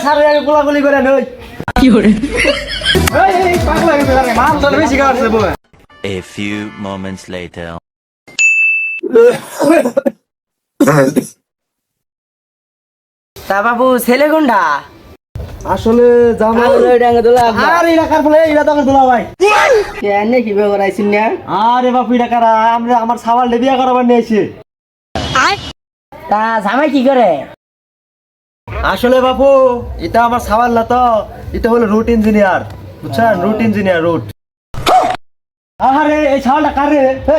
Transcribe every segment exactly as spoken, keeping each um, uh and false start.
সারে আগে গোলাগুলি করে নই কি করে এই এই পাগলা হয়ে গেছে মাল তো বেশি খাওয়াছে বউ A few moments later তা বাবু ছেলে কোনটা আসলে জামাই ডাঙ্গা দোলা আরে এটা কার বলে এটা তো আমার দোলা ভাই কেন কি ব্যাপার আইছিন না আরে বাপু এটা কারা আমরা আমার সাওয়াল বিয়া করাবার নিয়ে এসে তা জামাই কি করে আসলে বাপু এটা আমার সাওয়াল না তো এটা হলো রুট ইঞ্জিনিয়ার বুঝছেন রুট ইঞ্জিনিয়ার রুট আরে এই সাওয়ালটা কারে এই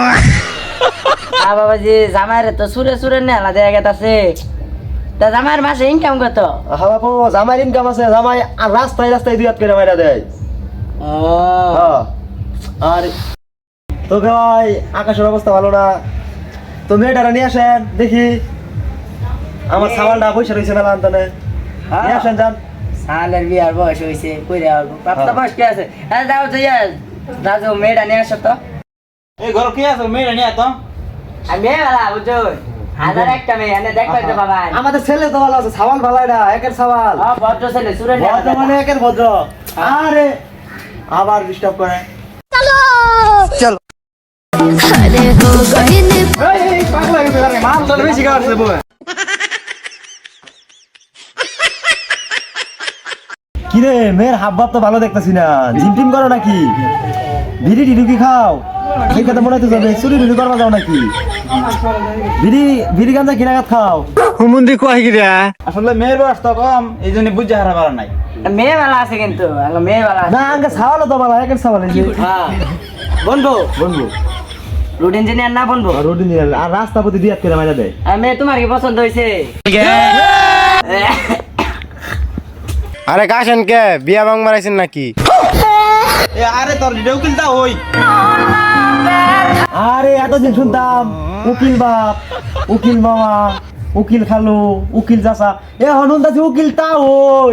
আ বাবাজি জামাইর তো সুরে সুরে নেলা দেয়া গেতাছে তা জামাইর মাসে ইনকাম কত হ্যাঁ বাপু জামাই ইনকাম আছে জামাই আর রাস্তায় রাস্তায় দুই হাত করে মাইরা দেয় ও হ্যাঁ আর তো ভাই আকাশের অবস্থা ভালো না তো মেয়েটারা নিয়ে আসেন দেখি আমার সাওয়ালটা পয়সা রয়েছে মেলা আনতানে নিয়ে আসেন যান সালের বিয়ার বয়স হইছে কইরা আসবো প্রাপ্ত বয়স কি আছে হ্যাঁ যাও যাইয়া রাজু মেয়েটা নিয়ে আসো তো এই ঘর কি আছে মেয়েরা নিয়ে তো আমি মেয়েলা বুঝছো হাজার একটা মেয়ে এনে দেখবে তো বাবা আমাদের ছেলে তো ভালো আছে সাওয়াল ভালো এটা একের সাওয়াল ও ভদ্র ছেলে সুরে ভদ্র মানে একের ভদ্র আরে আবার ডিস্টার্ব করে এই এই পাগলা হয়ে গেছে মাল তো বেশি খাওয়াছে বউ কিরে মেয়ের হাব ভাব তো ভালো দেখতেছি না জিম টিম করো নাকি বিড়ি টিডি কি খাও এই কথা মনে হতে যাবে চুরি বিড়ি করবা যাও নাকি বিড়ি বিড়ি গাঞ্জা কিনাগাত খাও হুমুন্দি কয় কি রে আসলে মেয়ের বয়স তো কম এই জন্য বুঝে হারা পারা নাই মেয়ে বেলা আছে কিন্তু মেয়ে বেলা না আঙ্কে সাওয়ালও তো ভালো একের সাওয়াল এই যে হ্যাঁ বলবো বলবো রোড ইঞ্জিনিয়ার না বলবো আর রোড নিয়ে আর রাস্তা প্রতি দুই হাত করে মাইরা দেয় আর মেয়ে তোমার কি পছন্দ হয়েছে আরে কাশেন কে বিয়া বাং মারাইছেন নাকি এ আরে তোর ভিডিও কিনতা হই আরে এতদিন শুনতাম উকিল বাপ উকিল মামা উকিল খালু উকিল চাচা এ হনুন্দাছি উকিল তা ওই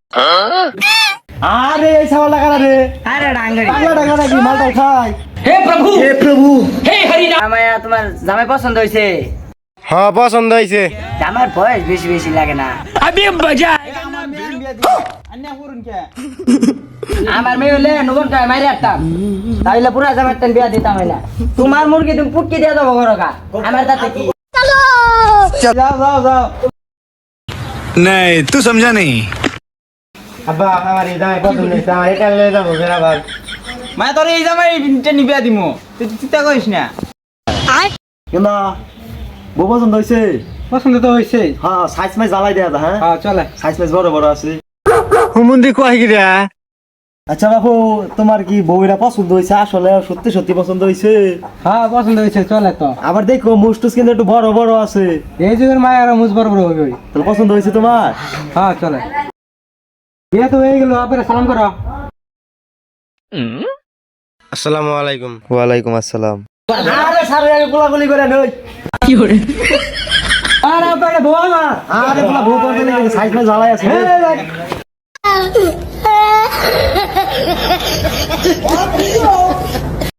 আরে এই সাওয়াল লাগা রে আরে ডাঙ্গরি পাগলা টাকা নাকি মালটা খাই হে প্রভু হে প্রভু হে হরি রাম আমায় তোমার জামাই পছন্দ হয়েছে হ্যাঁ পছন্দ হয়েছে আমার বয়স বেশি বেশি লাগে না আমার মেয়ে হলে নবন টাকা মারি আসতাম তাহলে পুরা জামাই তেন বিয়া দিতাম না তোমার মুরগি তুমি পুটকি দিয়ে দেবো ঘরকা আমার তাতে কি যাও যাও যাও नहीं तू समझा नहीं আব্বা আমার এই দামে পছন্দ হয়েছে আমার এটা লয়ে যাবো ফের আবার মানে তোর এই জামাই ইন্টার নিবিয়া দিমু তুই চিন্তা করিস না কেনা বউ পছন্দ হয়েছে পছন্দ তো হইছে হ্যাঁ সাইজ মাইজ জ্বালাই দেয়া হ্যাঁ হ্যাঁ চলে সাইজ মাইজ বড় বড় আছে হুমুন্দি কয় কি রে আচ্ছা বাবু তোমার কি বউরা পছন্দ হয়েছে আসলে সত্যি সত্যি পছন্দ হয়েছে হ্যাঁ পছন্দ হইছে চলে তো আবার দেখো মুস্টুস কিন্তু একটু বড় বড় আছে এই যুগের মায়ের আর মুজ বড় বড় হবে তাহলে পছন্দ হয়েছে তোমার হ্যাঁ চলে বিয়ে তো হয়ে গেল আপনারা সালাম করো আসসালামু আলাইকুম ওয়ালাইকুম আসসালাম আরে সারে আগে গোলাগুলি করে নই কি করে আরে আপনাকে বউ না আরে বলা বউ করতে নাকি সাইজ মাইজ জ্বালাই আছে